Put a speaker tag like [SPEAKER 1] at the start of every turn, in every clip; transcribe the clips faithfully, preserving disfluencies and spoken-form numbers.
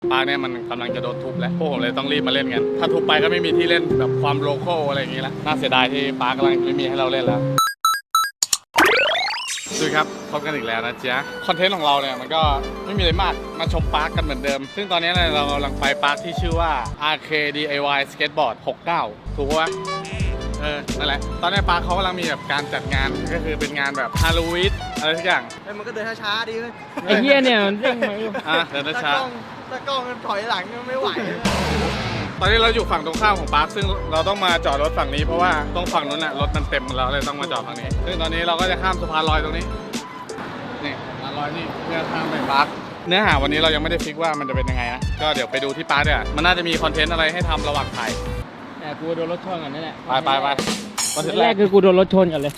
[SPEAKER 1] ปาร์คเนี่ยมันกำลังจะโดนทุบแล้วพวกผมเลยต้องรีบมาเล่นกันถ้าทุบไปก็ไม่มีที่เล่นแบบความโลคอลอะไรอย่างงี้แล้วน่าเสียดายที่ปาร์คกำลังไม่มีให้เราเล่นแล้วดูครับพบกันอีกแล้วนะจ๊ะคอนเทนต์ของเราเนี่ยมันก็ไม่มีอะไรมากมาชมปาร์คกันเหมือนเดิมซึ่งตอนนี้เรากำลังไปปาร์คที่ชื่อว่า อาร์ เค ดี ไอ วาย Skateboard หกสิบเก้าถูกปะเออนั่นแหละตอนนี้ปาร์คเขากำลังมีแบบการจัดงานก็คือเป็นงานแบบฮาโลวีนอะไรทุกอย่าง
[SPEAKER 2] ไอ้มันก็เดินช้าๆดีเลย
[SPEAKER 3] ไอ้เหี้ยเนี่ยมันเร่งมาอยู่
[SPEAKER 1] อ่ะเดินช้า
[SPEAKER 2] ถ้ากล้องมันถอยหลังไม่ไหว
[SPEAKER 1] ตอนนี้เราอยู่ฝั่งตรงข้ามของปาร์คซึ่งเราต้องมาจอดรถฝั่งนี้เพราะว่าตรงฝั่งนู้นน่ะรถมันเต็มเราเลยต้องมาจอดฝั่งนี้ซึ่งตอนนี้เราก็จะข้ามสะพานลอยตรงนี้นี่สะพานลอยนี่เพื่อข้ามไปปาร์คเนื้อหาวันนี้เรายังไม่ได้ฟิกว่ามันจะเป็นยังไงนะก็เดี๋ยวไปดูที่ปาร์คเนี่ยมันน่าจะมีคอนเทนต์อะไรให้ทำระหว่างถ่าย
[SPEAKER 3] แต่กูโดนรถชนก่อนนั่นแหละ
[SPEAKER 1] ไปไปไปคอนเทนต์
[SPEAKER 3] แร
[SPEAKER 1] แร
[SPEAKER 3] ก
[SPEAKER 1] ก
[SPEAKER 3] คือกูโดนรถชนก่อนเลย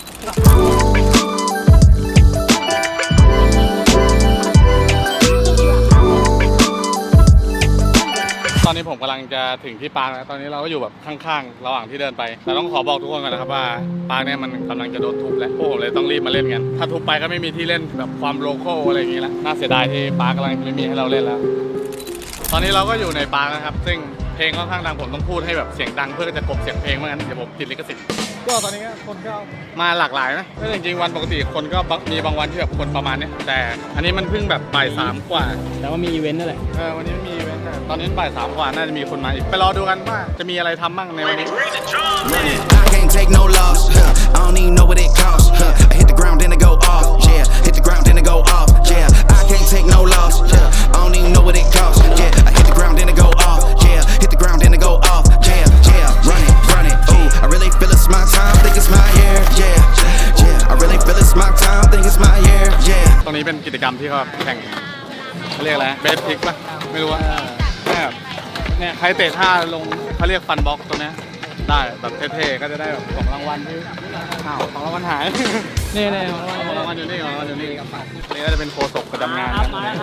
[SPEAKER 1] ตอนนี้ผมกำลังจะถึงที่ปาร์คแล้วตอนนี้เราก็อยู่แบบข้างๆระหว่างที่เดินไปแต่ต้องขอบอกทุกคนก่อนนะครับว่าปาร์คเนี่ยมันกำลังจะโดนทุบแล้วพวกผมเลยต้องรีบมาเล่นกันถ้าทุบไปก็ไม่มีที่เล่นแบบความโลคอลอะไรอย่างงี้แล้วน่าเสียดายที่ปาร์คกำลังไม่มีให้เราเล่นแล้วตอนนี้เราก็อยู่ในปาร์คนะครับซึ่งเพลงค่อนข้างดังผมต้องพูดให้แบบเสียงดังเพื่อจะกลบเสียงเพลงไม่งั้นเดี๋ยวผมติดลิขสิทธิ์ก็ตอนนี้ก็คนก็มาหลากหลายนะก็จริงๆวันปกติคนก็มีบางวันที่แบบคนประมาณนี้แต่อันนี้มันเพิ่งแบบบ่ายสามกว่า
[SPEAKER 3] แต่ว่ามีอีเวนต์นั่นแหละ
[SPEAKER 1] เออวันนี้มีอีเวนต์ตอนนี้บ่ายสามกว่าน่าจะมีคนมาอีกไปรอดูกันว่าจะมีอะไรทำบ้างในวันนี้
[SPEAKER 4] I can't take no loss. I don't even know what it costs. I hit the ground then I go off. Yeah, hit the ground then I go off. Yeah, I can't take no loss. I don't even know what it costs. Yeah, I hit the ground then I go off. Yeah, hit the ground then I go off. Yeah, yeah, run it, run it. Ooh, I really feel it's my time. Think it's my year. Yeah, yeah, I really feel it's my time. Think it's my year. Yeah.
[SPEAKER 1] ตรงนี้เป็นกิจกรรมที่เขาแข่งเขาเรียกอะไรเบสพิกป่ะไม่รู้ว่าเนี่ยเนี่ยใครเตะท่าลงเขาเรียกฟันบ็อกตัวนี้ได้แบบเท่ๆก็จะได้แบบของรางวัลที่อ้าวของรางวัลหาย
[SPEAKER 3] นี่นี่
[SPEAKER 1] ของรางวัลอยู่นี่ของรางวัลอยู่นี่นี่ก็จะเป็นโฆษกประจำงาน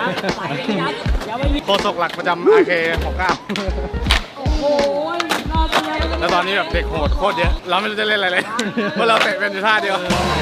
[SPEAKER 1] โฆษกหลักประจำ อาร์ เค หกสิบเก้าแล้วตอนนี้แบบเด็กโหดโคตรเยอะเราไม่รู้จะเล่นอะไรเลยเพราะเราเตะเป็นอยู่ท่าเดียว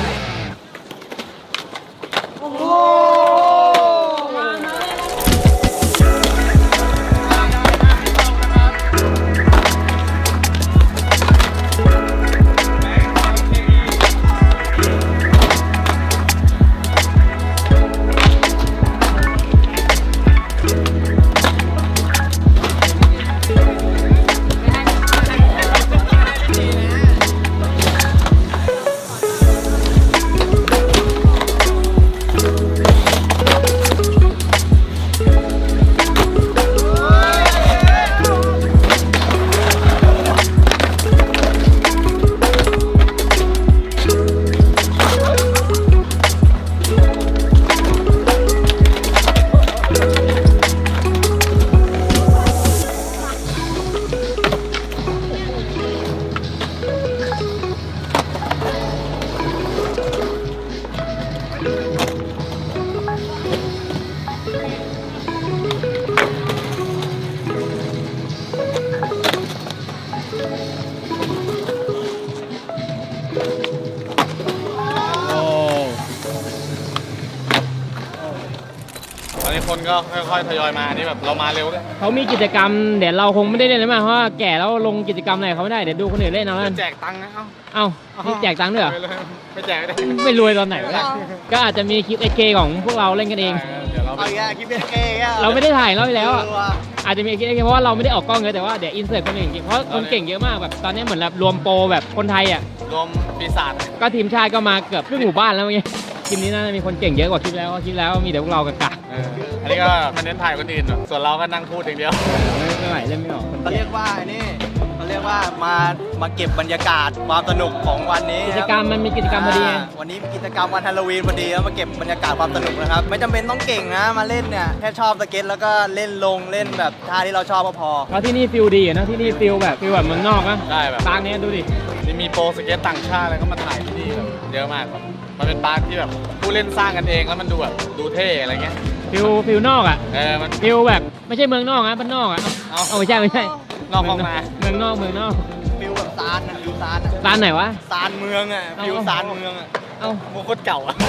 [SPEAKER 1] ตอนนี้คนก็ค่อยๆทยอยมานี่แบบเรามาเร็วด้วย
[SPEAKER 3] เขามีกิจกรรมเดี๋ยวเราคงไม่ได้เล่นแล้วมั้งเพราะว่าแก่แล้วลงกิจกรรมอะไรเขาไม่ได้เดี๋ยวดูคนอื่นเล่นเอาแล้วกัน
[SPEAKER 1] แจกตังค์นะเอ้า
[SPEAKER 3] เอ้านี่แจกตังค์ด้วยเหรอ
[SPEAKER 1] ไม่แจกได้
[SPEAKER 3] ไม่รวยตอนไหนวะเนี่ยก็อาจจะมีคลิปเอเคของพวกเราเล่นกันเอง
[SPEAKER 1] เดี๋ยวเรา
[SPEAKER 2] เอาอีกแล้วคลิปเอ๊ะ
[SPEAKER 3] เราไม่ได้ถ่ายรอบที่แล้วอ่ะอาจจะมีคลิปเอเคเพราะว่าเราไม่ได้ออกกล้องเลยแต่ว่าเดี๋ยวอินเสิร์ตคนอื่นจริงเพราะคนเก่งเยอะมากแบบตอนนี้เหมือนแบบรวมโปรแบบคนไทยอ่ะ
[SPEAKER 1] รวมปีศาจ
[SPEAKER 3] ก็ทีมชาติก็มาเกือบครึ่งหมู่บ้านแล้วเมื่อกี้คลิปนี้น่าจะมีคนเก่งเยอะกว่าคลิปแล้วคลิปแล้วมีแต่พวกเรากะกะ
[SPEAKER 1] เอออันนี้ก็มันเน้นถ่ายคนอื่นส่วนเราก็นั่งพูดอย่างเดียว
[SPEAKER 3] ไม่ไหวเล่นไม่ออก
[SPEAKER 2] เขาเรียกว่าไอ้นี่เขาเรียกว่ามามาเก็บบรรยากาศความสนุกของวันนี้
[SPEAKER 3] กิจกรรมมันมีกิจกรรมพอดี
[SPEAKER 2] าวันนี้กิจกรรมวันฮาโลวีนพอดีแล้วมาเก็บบรรยากาศความสนุกนะครับไม่จำเป็นต้องเก่งนะมาเล่นเนี่ยแค่ชอบสเก็ตแล้วก็เล่นลงเล่นแบบท่าที่เราชอบก็พอ
[SPEAKER 3] เพราะที่นี่ฟิลดีนะที่นี่ฟิลแบบฟิลแบบเมืองนอกนะ
[SPEAKER 1] ได้แบบ
[SPEAKER 3] ตางเนี้ยดูดิ
[SPEAKER 1] นี่มีโปรสเก็ตต่างชาติอะไรก็มาถ่ายที่นี่แบบเยอะมากแบบมันเป็นปาร์คที่แบบผู้เล่นสร้างกันเองแล้วมันดูแบบดูเท่อะไรเงี้ย
[SPEAKER 3] ฟิลฟิลนอกอ่ะ
[SPEAKER 1] เออมัน
[SPEAKER 3] ฟิลแบบไม่ใช่เมืองนอกนะบ้านนอกอ่ะ
[SPEAKER 1] เอา
[SPEAKER 3] เอาไม่ใช่ไม่ใช่
[SPEAKER 1] นอกห้องนา
[SPEAKER 3] เมืองนอกเมืองนอก
[SPEAKER 2] ฟิลแบบซานนะฟิลซานอะ
[SPEAKER 3] ร้านไหนวะ
[SPEAKER 2] ซานเมืองอ่ะฟิลซานเมืองอ่ะ
[SPEAKER 3] เอ้า
[SPEAKER 1] โมโคตรเก่าอ่ะ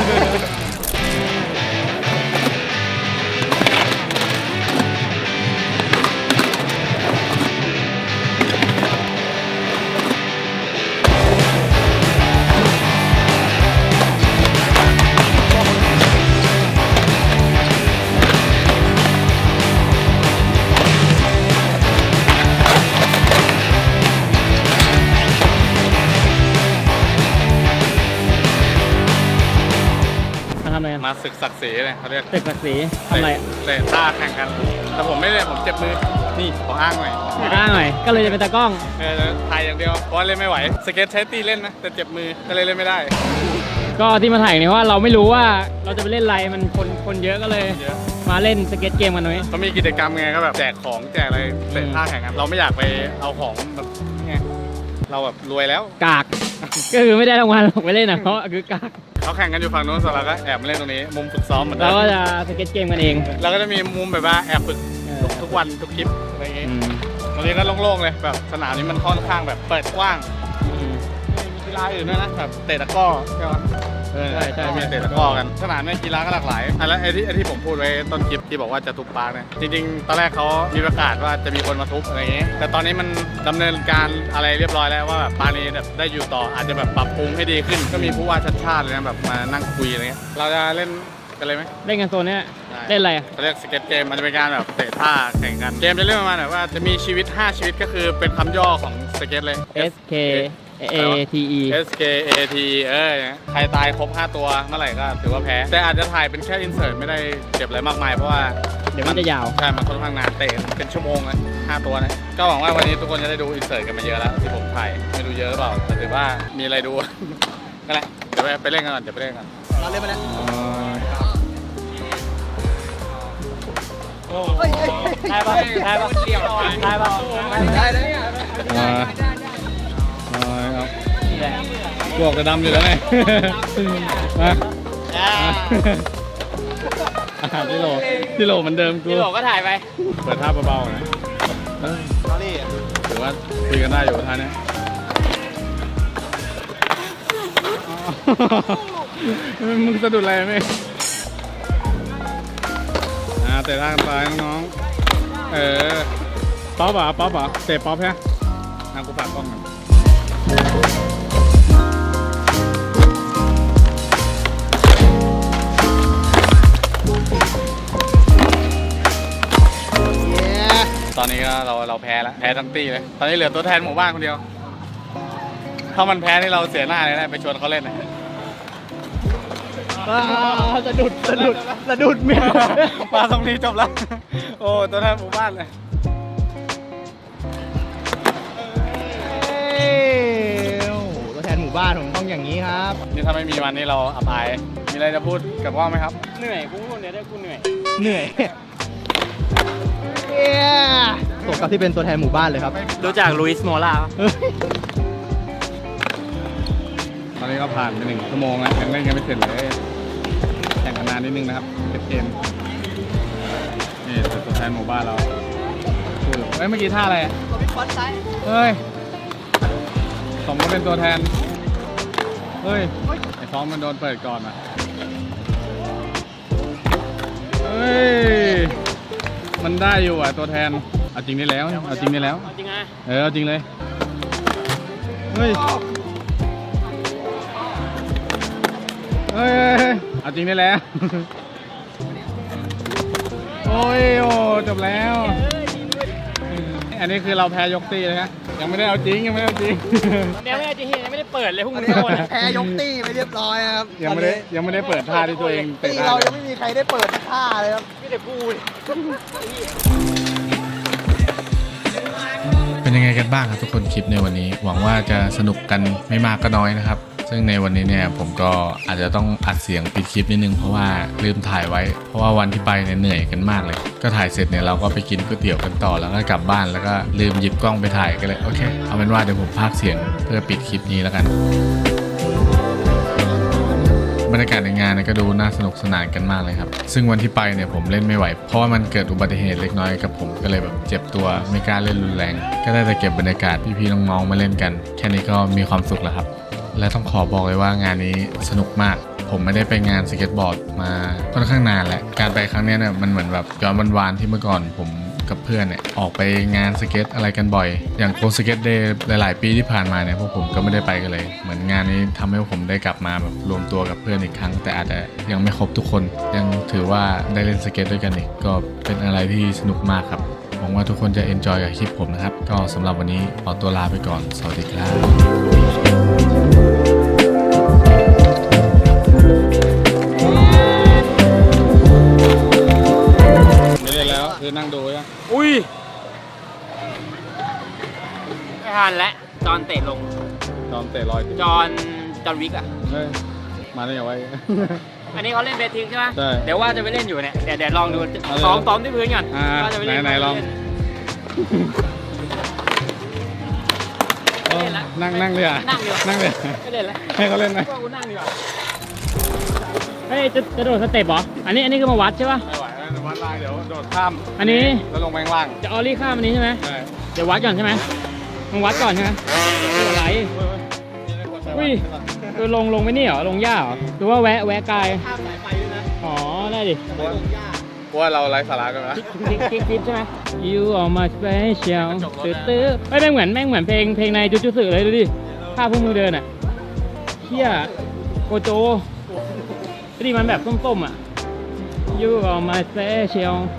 [SPEAKER 1] มาศึกศักดิ์ศรีเลยเขาเรียก
[SPEAKER 3] ตึกศักดิ์ศรีทำอะไร
[SPEAKER 1] เตะท่าแข่งกัน แต่ผมไม่เล่นผมเจ็บมือ นี่ขออ้างหน่อย
[SPEAKER 3] อ้างหน่อยก็เลยจะเป็นตากล้อง
[SPEAKER 1] เออถ่ายอย่างเดียว เพราะว่าเล่นไม่ไหว สเก็ตใช้ตีเล่นนะ แต่เจ็บมือ ก็เลยเล่นไม่ได้
[SPEAKER 3] ก็ที่มาถ่ายเนี่ยว่าเราไม่รู้ว่าเราจะไปเล่นอะไรมันคนคนเยอะก็เลย
[SPEAKER 1] เยอะ
[SPEAKER 3] มาเล่นสเก็ตเกมกันหน่อย
[SPEAKER 1] เขามีกิจกรรมไงก็แบบแจกของแจกอะไรเตะท่าแข่งกัน เราไม่อยากไปเอาของแบบไงเราแบบรวยแล้ว
[SPEAKER 3] กาก ก็คือไม่ได้รางวัลหรอกไปเล่นนะเพราะคือกาก
[SPEAKER 1] เขาแข่งกันอยู่ฝั่งโน้นส่วนเราก็แอบมาเล่นตรงนี้ มุมฝึกซ้อมเหมือนเดิ
[SPEAKER 3] เรา
[SPEAKER 1] ม
[SPEAKER 3] ก็จะสเก็ตเกมกันเอง
[SPEAKER 1] เราก็จะมีมุมแบบว่าแอบฝึก
[SPEAKER 3] เออ
[SPEAKER 1] ทุกทุกวันทุกคลิปอะไรอย่างงี้
[SPEAKER 3] อืม
[SPEAKER 1] วันนี้ก็โล่งๆเลยแบบสนามนี้มันค่อนข้างแบบเปิดกว้าง
[SPEAKER 3] อืม
[SPEAKER 1] มีกีฬาอื่นด้วยนะแบบเตะตะกร้อใช่ไหมเออ
[SPEAKER 3] ใช่ใช่
[SPEAKER 1] มีเตะตะกร้อกันสนามในกีฬาก็หลากหลายอ่ะแล้วไอ้ที่ไอ้ที่ผมพูดไว้ต้นคลิปที่บอกว่าจะทุบปาร์คเนี่ยจริงๆตอนแรกเขามีประกาศว่าจะมีคนมาทุบอะไรอย่างงี้แต่ตอนนี้มันดำเนินการอะไรเรียบร้อยแล้วว่าแบบปาร์คนี้แบบได้อยู่ต่ออาจจะแบบปรับปรุงให้ดีขึ้น ก็มีผู้ว่าชัดชาติเลยนะแบบมานั่งคุยอะไรเงี้ยเราจะเล่นกันเลยไหม
[SPEAKER 3] เล่นกันโซนเนี้ย
[SPEAKER 1] ได้
[SPEAKER 3] เล่นอะไรอะ
[SPEAKER 1] เขาเรียกสเก็ตเกมมันจะเป็นการแบบเตะท่าแข่งกันเกมจะเล่นประมาณแบบว่าจะมีชีวิตห้าชีวิตก็คือเป็นคำย่อของสเก็ตเลย
[SPEAKER 3] S K A T E
[SPEAKER 1] S K A T เออใครตายครบห้าตัวเมื่อไหร่ก็ถือว่าแพ้ แต่อาจจะถ่ายเป็นแค่อินเสิร์ตไม่ได้เก็บอะไรมากมายเพราะว่า
[SPEAKER 3] เดี๋ยวมันจะยาว
[SPEAKER 1] ใช่มันค่อนข้างนานเตะเป็นชั่วโมงเลยห้าตัวนะก็หวังว่าวันนี้ทุกคนจะได้ดูอินเสิร์ตกันมาเยอะแล้วที่ผมถ่ายไม่ดูเยอะหรือเปล่าแต่ถือว่ามีอะไรดู ก็แหละเดี๋ยวไปเล่นกันก่อนเดี๋ยวไปเล่นกัน
[SPEAKER 2] เราเล่นมาแล้ว
[SPEAKER 3] ได้ปะได้ปะเดี่ยวได้ปะ
[SPEAKER 2] ได้เลย
[SPEAKER 1] อ่าครับ
[SPEAKER 3] นี่แหละ
[SPEAKER 1] พวกจะดำอยู่แล้วไง มาอ่าที่โหลที่โหลเหมือนเดิมกู
[SPEAKER 3] พี่บอกก็ถ่ายไป
[SPEAKER 1] เปิดท่าเบาๆนะเออ
[SPEAKER 2] สอรี่
[SPEAKER 1] ถือว่าคุยกันได้อยู่ท่าเนี้ยอ๋อมึงสะดุดอะไรไหมอ่าเตะท่ากันไปน้องๆเออป๊อปเหรอป๊อปเหรอเตะป๊อปใช่ไหมอ่ะกูฝากกล้องหน่อยตอนนี้ก็เราเราแพ้แล้วแพ้ทั้งตีเลย ตอนนี้เหลือตัวแทนหมู่บ้านคนเดียว ถ้ามันแพ้นี่เราเสียหน้าเลยนะไปชวนเขาเล่นนะ
[SPEAKER 3] สะดุดสะดุดสะดุดเมีย
[SPEAKER 1] มาตรงนี้จบแล้ว โอ้ตัวแทนหมู่บ้านเลย
[SPEAKER 2] ตัวแทนหมู่บ้านผมต้องอย่างนี้ครับ
[SPEAKER 1] นี่ถ้าไม่มีวันนี้เราอับอาย มีอะไรจะพูดกับพ่อไหมครับ
[SPEAKER 3] เหนื่อยกูพูดเนี่ยได้กูเหนื่อย
[SPEAKER 2] เหนื่อยสมกับที่เป็นตัวแทนหมู่บ้านเลยครับ
[SPEAKER 3] รู้จักลุยส์โมล่า
[SPEAKER 1] ตอนนี้ก็ผ่านไปหนึ่งชั่วโมงแล้วยังเล่นกันไม่เสร็จเลยแข่งกันนานนิดนึงนะครับเก็บเกมนี่ตัวแทนหมู่บ้านเราพูดเอ้ยเมื่อกี้ท่าอะไรอะเฮ้ยสมก็เป็นตัวแทนเฮ้ยไอ้ท้องมันโดนเปิดก่อนอ่ะเฮ้ยมันได้อยู่อ่ะตัวแทนเอาจริงได้แล้วเอาจริงได้แล้ว
[SPEAKER 3] จริงอ่ะ
[SPEAKER 1] เออเอาจริงเลยเฮ้ยเฮ้ยเอาจริงได้แล้ว โอ้ยโอ้จบแล้ว อันนี้คือเราแพ้ยกตีเลยนะยังไม่ได้เอาจริงยังไม่ได้เอาจริง
[SPEAKER 3] เดี๋ยวไม่ได้จริงยังไม่ได้เปิดเลยพวก
[SPEAKER 2] อั
[SPEAKER 3] มึ
[SPEAKER 2] น
[SPEAKER 3] ง
[SPEAKER 2] นี้
[SPEAKER 3] โดน
[SPEAKER 2] แพ้ยกตี้ไปเรียบร้อยครับ
[SPEAKER 1] ยังไม่ได้ยังไม่ได้เปิดท่าที่ตัวเอง
[SPEAKER 2] ตี
[SPEAKER 1] เตะ
[SPEAKER 2] เรา
[SPEAKER 1] ได้
[SPEAKER 2] ยังไม่มีใครได้เปิดท่าเลยครับ
[SPEAKER 3] ไม่ได้พูด
[SPEAKER 5] เป็นยังไงกันบ้างครับทุกคนคลิปในวันนี้ หวังว่าจะสนุกกันไม่มากก็น้อยนะครับ ซึ่งในวันนี้เนี่ยผมก็อาจจะต้องอัดเสียงปิดคลิปนิดนึงเพราะว่าลืมถ่ายไว้ เพราะว่าวันที่ไปเนี่ยเหนื่อยกันมากเลย ก็ถ่ายเสร็จเนี่ยเราก็ไปกินก๋วยเตี๋ยวกันต่อแล้วก็กลับบ้านแล้วก็ลืมหยิบกล้องไปถ่ายกันเลยโอเคเอาเป็นว่าเดี๋ยวผมพากย์เสียงเพื่อปิดคลิปนี้แล้วกัน บรรยากาศในงานเนี่ยก็ดูน่าสนุกสนานกันมากเลยครับซึ่งวันที่ไปเนี่ยผมเล่นไม่ไหวเพราะว่ามันเกิดอุบัติเหตุเล็กน้อยกับผมก็เลยแบบเจ็บตัวไม่กล้าเล่นรุนแรงก็ได้แต่เก็บบรรยากาศพี่ๆน้องๆมาเล่นกันแค่นี้ก็มีความสุขแล้วครับและต้องขอบอกเลยว่างานนี้สนุกมากผมไม่ได้ไปงานสเก็ตบอร์ดมาค่อนข้างนานแล้วการไปครั้งนี้เนี่ยมันเหมือนแบบย้อนวันวานที่เมื่อก่อนผมกับเพื่อนเนี่ยออกไปงานสเก็ตอะไรกันบ่อยอย่างโคสเก็ตเดย์หลายๆปีที่ผ่านมาเนี่ยพวกผมก็ไม่ได้ไปกันเลยเหมือนงานนี้ทำให้ผมได้กลับมาแบบรวมตัวกับเพื่อนอีกครั้งแต่อาจจะยังไม่ครบทุกคนยังถือว่าได้เล่นสเก็ตด้วยกันอีกก็เป็นอะไรที่สนุกมากครับหวังว่าทุกคนจะเอนจอยกับคลิปผมนะครับก็สำหรับวันนี้ขอตัวลาไปก่อนสวัสดีครับ
[SPEAKER 1] คือนั่งดูยัง
[SPEAKER 3] อุ้ยไม่ทันแล้วจอนเตะลง
[SPEAKER 1] จอมเตะลอยขึ้น
[SPEAKER 3] จอนจอนวิกอ่ะ
[SPEAKER 1] เฮ้ยมาได้ยังไง
[SPEAKER 3] อันนี้เขาเล่นเบสทิ้งใช่ไหม
[SPEAKER 1] ใช่
[SPEAKER 3] เดี๋ยวว่าจะไปเล่นอยู่เนี่ย เดี๋ยวเดี๋ยวลองดู
[SPEAKER 1] เอาเลย
[SPEAKER 3] ซ้อมซ้อมที่พื้นก่อน
[SPEAKER 1] อ่า
[SPEAKER 3] ว่าจะไปเล่น
[SPEAKER 1] ไหนๆลอง
[SPEAKER 3] ไม่เล่นละ
[SPEAKER 1] นั่งนั่งเลยอ่ะ
[SPEAKER 3] นั่งดีกว่า
[SPEAKER 1] นั่งเลย
[SPEAKER 3] ไม่เล่นละ
[SPEAKER 1] ให้เขาเล่นไหม
[SPEAKER 3] ว่ากูนั่งดีกว่าเฮ้ยจะจะโดดสเต็ปเหรอ อันนี้อันนี้คือมาวัดใช่ป่ะ
[SPEAKER 1] ไม่ไหวแล้ววัดล่างเดี๋ยวโดดข้าม
[SPEAKER 3] อันนี้
[SPEAKER 1] แล้วลงไปข้างล่าง
[SPEAKER 3] จะออลลี่ข้ามอันนี้ใช่ไหม
[SPEAKER 1] ใช่
[SPEAKER 3] เดี๋ยววัดก่อนใช่ไหมมึงวัดก่อนใช่ไหมคืออะไร อุ้ยคือลงลงไม่นี่เหรอ ลงหญ้าเหรอหรือว่าแวะแวะกาย
[SPEAKER 2] ข้ามสายไฟด้วยนะ
[SPEAKER 3] อ๋อ ได้ดิ
[SPEAKER 2] ลงหญ้า
[SPEAKER 1] เพราะว่าเราไร้สาระกันนะ
[SPEAKER 3] คลิกคลิกคลิกใช่ไหม You are my special ตื้อตื้อเฮ้ยแม่งเหมือนแม่งเหมือนเพลงเพลงในจุจุสึเลยดูดิท่าพวกมือเดินอ่ะเฮียโกโจดิมันแบบส้มๆอ่ะ You are my special